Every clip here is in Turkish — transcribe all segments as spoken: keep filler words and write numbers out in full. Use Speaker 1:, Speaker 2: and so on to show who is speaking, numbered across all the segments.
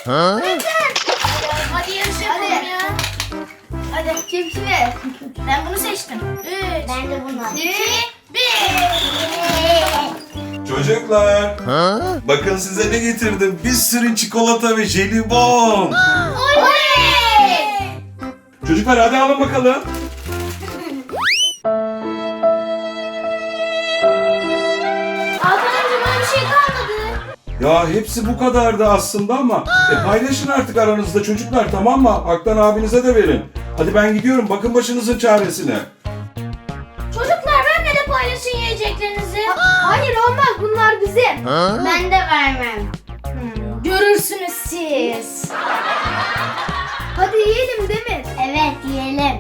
Speaker 1: Hadi yarış yapalım ya. Hadi kim kime? Ben bunu seçtim. Üç.
Speaker 2: Ben de bunu.
Speaker 1: İki. Bir.
Speaker 3: Çocuklar, bakın size ne getirdim. Bir sürü çikolata ve jelibon.
Speaker 1: Oley!
Speaker 3: Çocuklar hadi alın bakalım.
Speaker 1: Hakan amca bana bir şey kalmadı.
Speaker 3: Ya hepsi bu kadardı aslında ama e, paylaşın artık aranızda çocuklar, tamam mı? Aktan abinize de verin. Hadi ben gidiyorum, bakın başınızın çaresine.
Speaker 1: Çocuklar benimle de paylaşın yiyeceklerinizi. Hayır olmaz, bunlar bizim.
Speaker 2: Ben de vermem.
Speaker 1: Hmm, görürsünüz siz. Hadi yiyelim Demir.
Speaker 2: Evet yiyelim.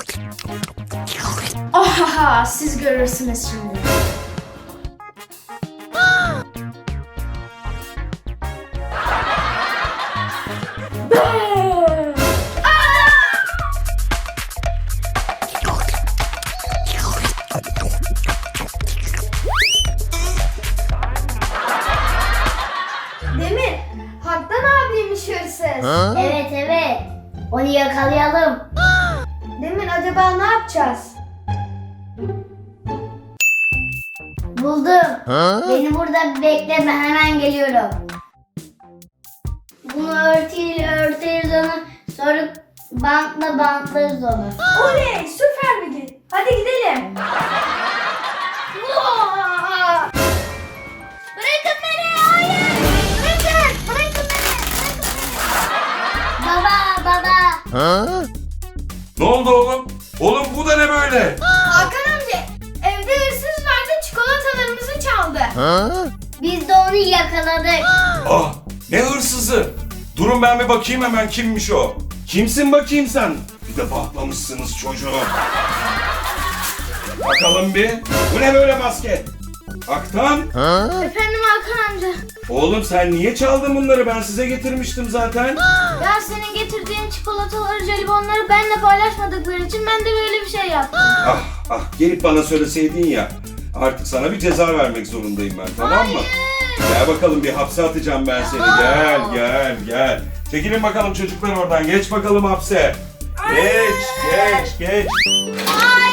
Speaker 1: Ohaha, siz görürsünüz şimdi. Demir, Haktan abiymiş hırsız.
Speaker 2: Evet evet. Onu yakalayalım.
Speaker 1: Demir, acaba ne yapacağız?
Speaker 2: Buldum. Beni burada bekleme, hemen geliyorum. Bunu örtüyle örteriz onu. Sonra bantla bantlarız onu.
Speaker 1: Oley, süper bilgi. Hadi gidelim. Vaa! Bırakın beni, hayır. Bırakın, bırakın beni.
Speaker 2: Baba baba.
Speaker 3: Ne oldu oğlum? Oğlum bu da ne böyle?
Speaker 1: Hakan amca, evde hırsız vardı, çikolatalarımızı çaldı.
Speaker 2: Biz de onu yakaladık.
Speaker 3: Ah, ne hırsızı? Durun ben bir bakayım hemen kimmiş o. Kimsin bakayım sen? Bir de patlamışsınız çocuğu. Bakalım bir. Bu ne böyle maske? Aktan?
Speaker 1: Efendim Hakan amca.
Speaker 3: Oğlum sen niye çaldın bunları? Ben size getirmiştim zaten.
Speaker 1: Ya senin getirdiğin çikolataları, jelibonları benimle paylaşmadıkları için ben de böyle bir şey yaptım.
Speaker 3: Ah ah, gelip bana söyleseydin ya. Artık sana bir ceza vermek zorundayım ben, tamam mı? Gel bakalım, bir hapse atacağım ben seni. Gel gel gel. Çekilin bakalım çocuklar oradan. Geç bakalım hapse. Geç geç geç.
Speaker 1: Hayır.